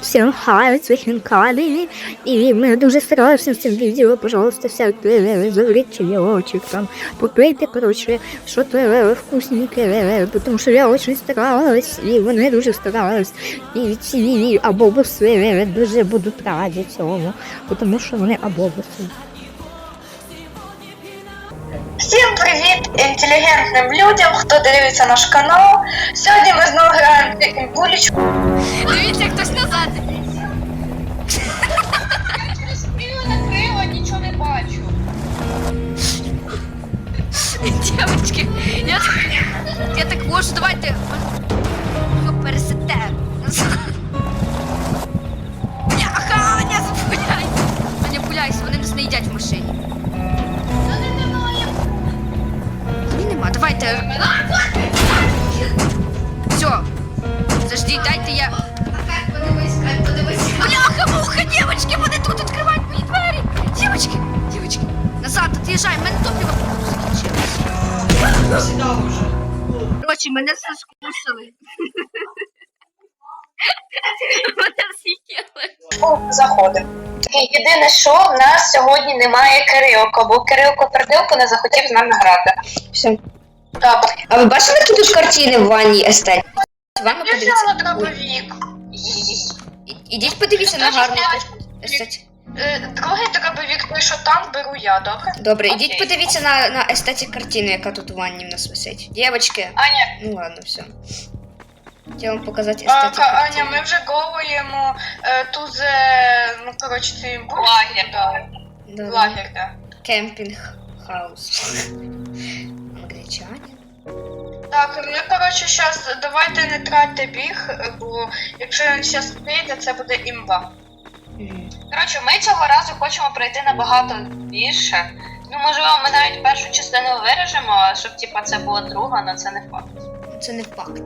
всем хай, свихин кали. И мы дуже стараемся с этим видео, пожалуйста, всякие завлеченечек там. Попейте, короче, что-то вкусненькое, потому что я очень старалась, и вони дуже старались. І ці абобуси дуже будуть раді цьому, тому що вони абобуси. Всім привіт інтелігентним людям, хто дивиться наш канал. Сьогодні ми знову граємо в булечку. Дивіться, хтось назад. Я через спину накрила, нічого не бачу. Дівчатки, я так можу, давайте його пересете. Ага, не запуляйся. Не пуляйся, вони нас не їдять в машині. Нема, давайте. Все. Подожди, дайте я. Бляха-муха, девочки, вони тут відкривають мої двері. Девочки, назад, от'їжджай, мене топливо закінчилось. Короче, мене соскусили. Мене з'їли. Заходимо. Єдине, що в нас сьогодні немає Кирилка, бо Кирилко Пердилко не захотів з нами грати. Все. Так, А ви бачили тут картини в ванні естет? Ванну я подивіться. взяла дробовик. Ідіть подивіться на гарну естет. Другий дробовик, той, що там, беру я, добре? Добре, Окей. ідіть подивіться на естетик картину, яка тут у ванні в нас висить. Дівчатки. Аня, Ну ладно, все. Хотіла вам показати естетик Аня, картини. ми вже голуємо тут, ну, коротше, цей лагер, Да. лагер, да. Кемпінг хаус. Англічані. Так, ми, коротше, зараз давайте не тратьте біг, бо якщо він зараз прийде, це буде імба. Коротше, ми цього разу хочемо пройти набагато більше. Ну, можливо, ми навіть першу частину виріжемо, щоб типа це була друга, але це не факт. Це не факт.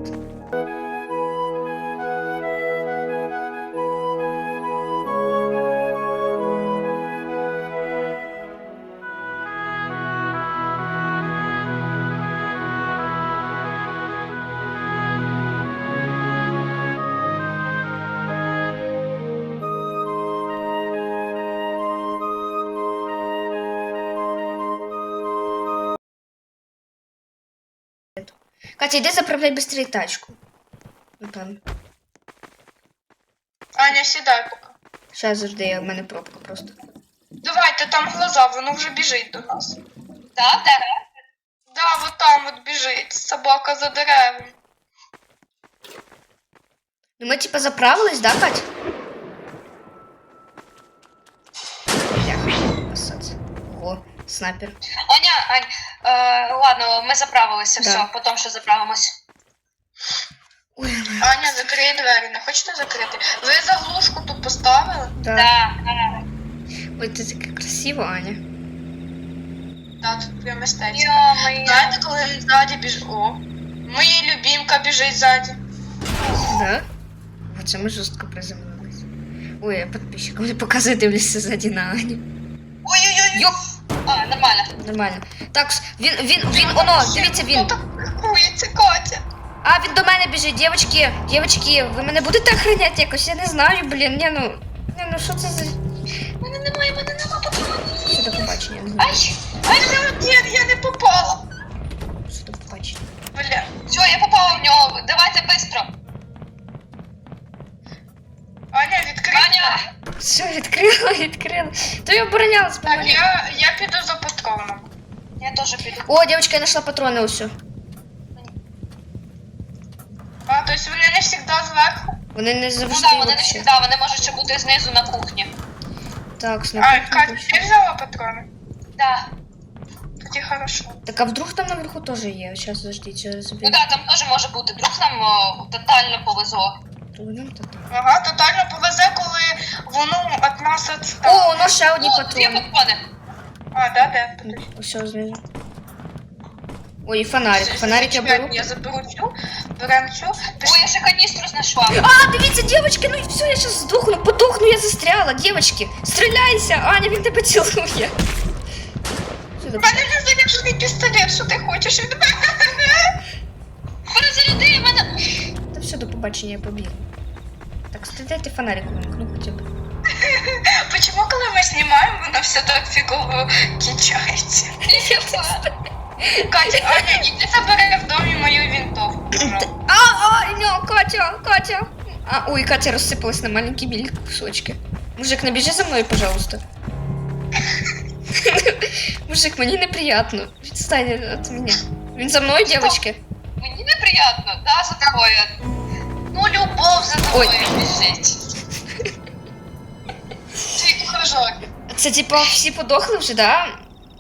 Катя, йди заправляй быстрее тачку. Ну там. Аня, сідай поки. Сейчас завжди, в мене пробка просто. Давайте, там глаза, воно вже біжить до нас. Так, де? Да, вот там от біжить, собака за деревом. Ну ми типа заправились, да, Кать? О, снайпер. Ань, ладно, ми заправилися, Да. все, потім ще заправимось. Ой, Аня, закрий двері, не хочете закрити? Ви заглушку тут поставили? да. Ой, ти така красива, Аня. Так, тут прям мистецтво. Знаєте, коли він ззаді біжить. О, моя любімка біжить ззаді. Да? Оце ми жорстко приземлились. Ой, я підписчикам не показую, дивлюся ззаді на Аню. Ой-ой-ой. Йоп! А, нормально. Нормально. Так, він, оно, дивіться, він. Хто так рахується, Катя? А, він до мене біжить, дівчатки, ви мене будете охороняти якось? Я не знаю, блін, ну, що це за... Мене немає патронів. Що до побачення, я не знаю. Ай, я не попала. Що до побачення. Бля, все, я попала в нього. Давайте быстро. Аня, відкрий. Аня! Все, відкрила. То я оборонялась, Так, помогли. я піду за патроном. Я теж піду. О, дівчатка, я знайшла патрони усю. А, то есть вони не завжди зверху? Вони не завжди. Ну да, вони не вообще. завжди, вони можуть ще бути знизу на кухні. Так, А, снайпер. Катя, ти взяла патрони? Да. Тоді хорошо. Так, а вдруг там наверху теж є? Сейчас, подождіть, я заберу. Ну да, там теж може бути. Вдруг нам тотально повезло. Ага, тотально повезе, коли воно від нас відстане. О, ну ще одні Є патрони. патрони. А, да, де? Все, знизу. Ой, і фонарик я беру. Я заберу цю, берем цю. Ой, я ще каністру знайшла. А, дивіться, девочки, ну все, я сейчас сдохну, подохну, я застряла, девочки. Стреляйся, Аня, він тебе цілує. У мене вже заряджений пістолет, що ти хочеш від мене? Перезаряди мене. Та все, до побачення, я побігла. Так, Кстати, дайте фонарик увімкну хоча б. Почему, коли ми знімаємо, воно все так фігово кінчається? Катя, Аня, іди забери в домі мою винтовку. Катя! Ой, Катя розсипалась на маленькі білі кусочки. Мужик, набіжи за мною, пожалуйста. Мужик, мені неприятно. Відстань від мене. Він за мною, дівчатки? Мені неприємно, да, за тобою. Ну, любов за тобою біжить. Твій кружок. Це типа всі подохли вже, да?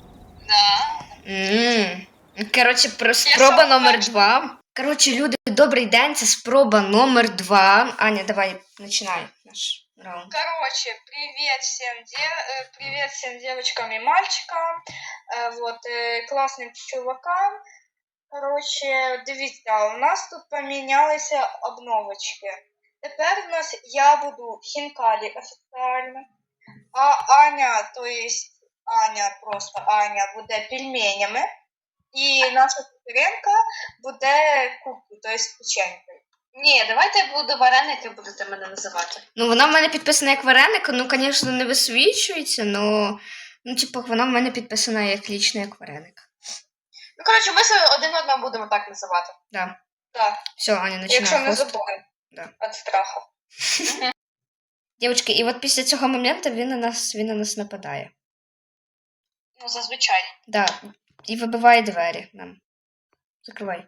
Да. Коротше, спроба номер 2. Коротше, люди, добрий день, це спроба номер 2. Аня, давай, починай наш раунд. Короче, привет всем девочкам и мальчикам, классным чувакам. Короче, дивіться, у нас тут помінялися обновочки. Тепер у нас я буду хінкалі офіціально, а Аня, то есть просто Аня буде пельменями, і наша Катеринка буде куклю, то есть печенькою. Ні, давайте я буду вареники, будете мене називати. Ну, вона в мене підписана як вареник, ну, звісно, не висвічується, но... Ну, типу, вона в мене підписана як лічно як вареник. Ну, коротше, ми себе один одного будемо так називати. Да. Так. Все, Аня, починає. Якщо не хост. забудемо. Да. Від страху. Дівчатки, і от після цього моменту він на нас нападає. Ну, зазвичай. Да. І вибиває двері нам. Закривай.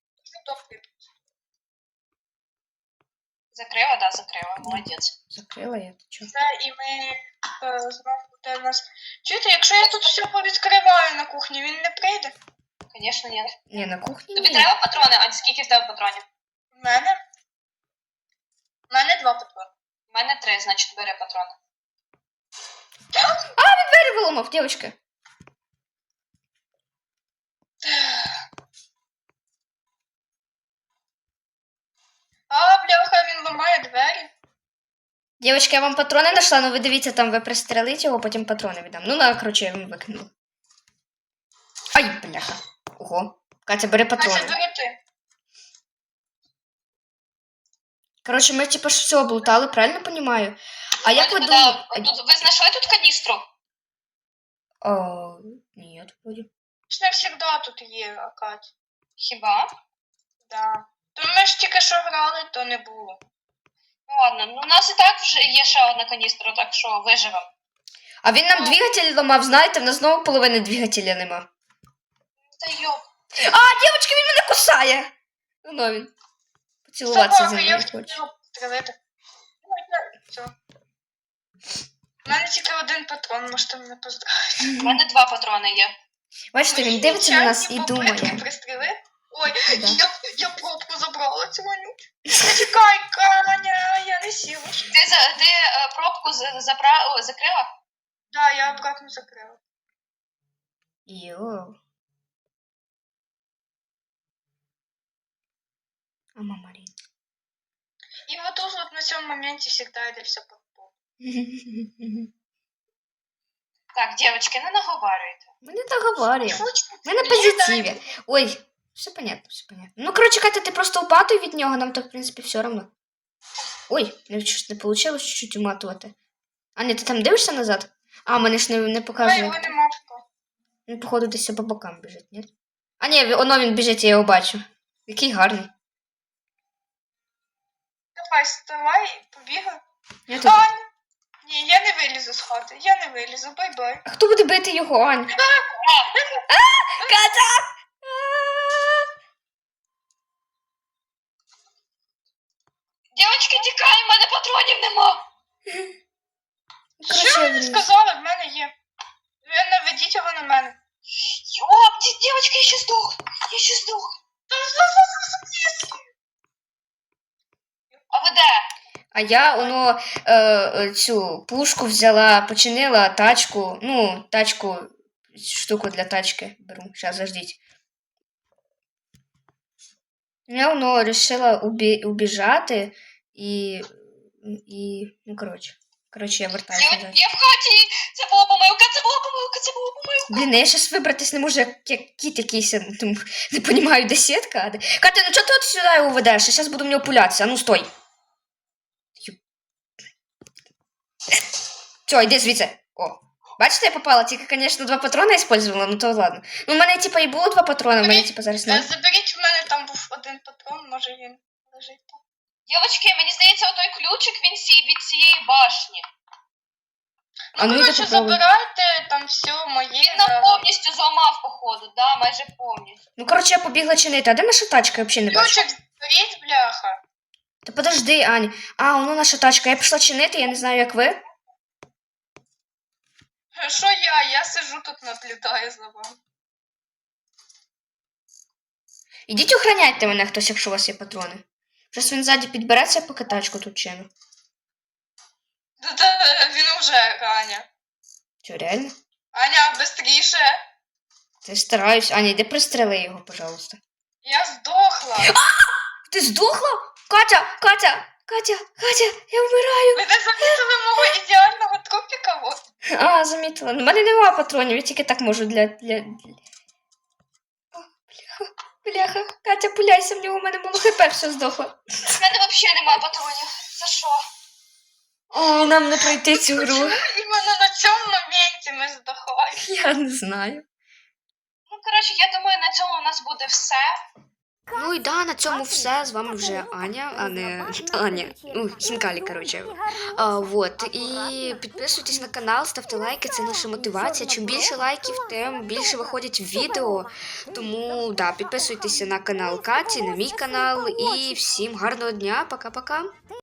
Закрила, да, закрила. Молодець. Закрила я, ти чого? Це і ми знову буде у нас. Чуєте, якщо я тут все повідкриваю на кухні, він не прийде? Звісно, ні. Ні, на кухні Тобі ні. треба патрони, а скільки в тебе патронів? У мене? У мене 2 патрони. У мене 3, значить бери патрони. Двері виламав, дівчатки. А, бляха, він ламає двері. Дівчатки, я вам патрони знайшла, ну ви дивіться, там ви пристрелите його, потім патрони віддам. Ну, на, коротше, я вам викинула. Ай, бляха. Ого. Катя, бери Значить, патрони. бери ти. Коротше, ми типу ж все облутали, правильно розумію? А як ви думаєте? Ви знайшли тут каністру? Ні, вроді. Ж не завжди тут є, Кать. Хіба? Да. То ми ж тільки що грали, то не було. Ну ладно, ну у нас і так вже є ще одна каністра, так що виживемо. А він нам двигатель ламав, знаєте, в нас знову половини двигателя нема. Та йоп. Дівчатки, він мене кусає! Ну, він. Поцілуватися зі мною хоче. Стрелити. Все. У мене тільки 1 патрон, можете мене поздравити. У мене 2 патрони є. Бачите, він дивиться на нас і думає. Пристріли? Ой, Да. я пробку забрала цю вонючу. Чекай, Каня, я не сіла. Ти пробку закрила? Да, я обратно закрила. Йоу. А мама Рін. І вот тут вот на цьому моменті всегда йде все по полу. Так, девочки, не наговарюйте. Ми не договорюємо. Ми на позитиві. Ой, все понятно, все понятно. Ну, коротше, Катя, ти просто упатуй від нього, нам так, в принципі, все одно. Ой, щось не вийшло чуть-чуть уматувати. Аня, ти там дивишся назад? А, мене ж не А показує. його нема поки. Він, походу, десь по бокам біжить, ні? А ні, воно він біжить, я його бачу. Який гарний. Давай, вставай, побігай. Я тут... Ань! Ні, я не вилізу з хати, я не вилізу, бай-бай. А хто буде бити його, Ань? Катя! Дівчатки, тікай, в мене патронів нема. Що ви Коротше, сказали, в мене є. Ви наведіть його на мене. Йоп, дівчатки, я ще здох. Я ще здох. А ви де? а я, воно, цю пушку взяла, починила тачку, штуку для тачки беру. Зараз, заждіть. Я, воно, вирішила убіжати і, ну, коротше, я вертаюся назад. Я в хаті. Це була помилка, це була помилка, це була помилка. Блін, я щас вибратись не можу, як кіт якийсь, ну, не розумію, де сітка. Катя, ну чого ти от сюди його ведеш? Я зараз буду в нього пулятися, а ну стой. Все, йди звідси. О. Бачите, я попала, тільки, звісно, 2 патрона использувала, ну то ладно. Ну, в мене, типа, і було 2 патрона, в мене, типа, зараз не. Заберіть, в мене там був 1 патрон, може він лежить там. Дівчатки, мені здається, отой ключик, він від цієї башні. А ну, йди коротше, попробуй. забирайте там все моє. Він нам повністю зламав, походу, да, майже повністю. Ну, коротше, я побігла чинити. А де наша тачка? Я взагалі не бачу. Ключик зберіть, бляха. Та подожди, Ань. А, воно наша тачка. Я пішла чинити, я не знаю, як ви. Що я сижу тут наблюдаю за вами. Ідіть охороняйте мене хтось, якщо у вас є патрони. Зараз він ззаді підбереться, поки тачку тут чину. Да, він уже, Аня. Що, реально? Аня, быстріше. Ти стараюсь. Аня, йди пристрели його, пожалуйста. Я здохла. Ти здохла? Катя, я вмираю. Ви не замітили мого ідеального трупіка? Вот. А, замітила. У мене немає патронів, я тільки так можу для... О, бляха. Катя, пуляйся в нього, у мене мало хп, все здохло. У мене взагалі немає патронів. За що? О, нам не пройти цю гру. Іменно на цьому моменті ми здохли. Я не знаю. Ну, коротше, я думаю, на цьому у нас буде все. Ну і да, на цьому все. З вами вже Аня, а не Аня. Ну, Хінкалі, коротше. Вот. І підписуйтесь на канал, ставте лайки, це наша мотивація. Чим більше лайків, тим більше виходять відео. Тому, да, підписуйтеся на канал Каті, на мій канал. І всім гарного дня. Пока-пока.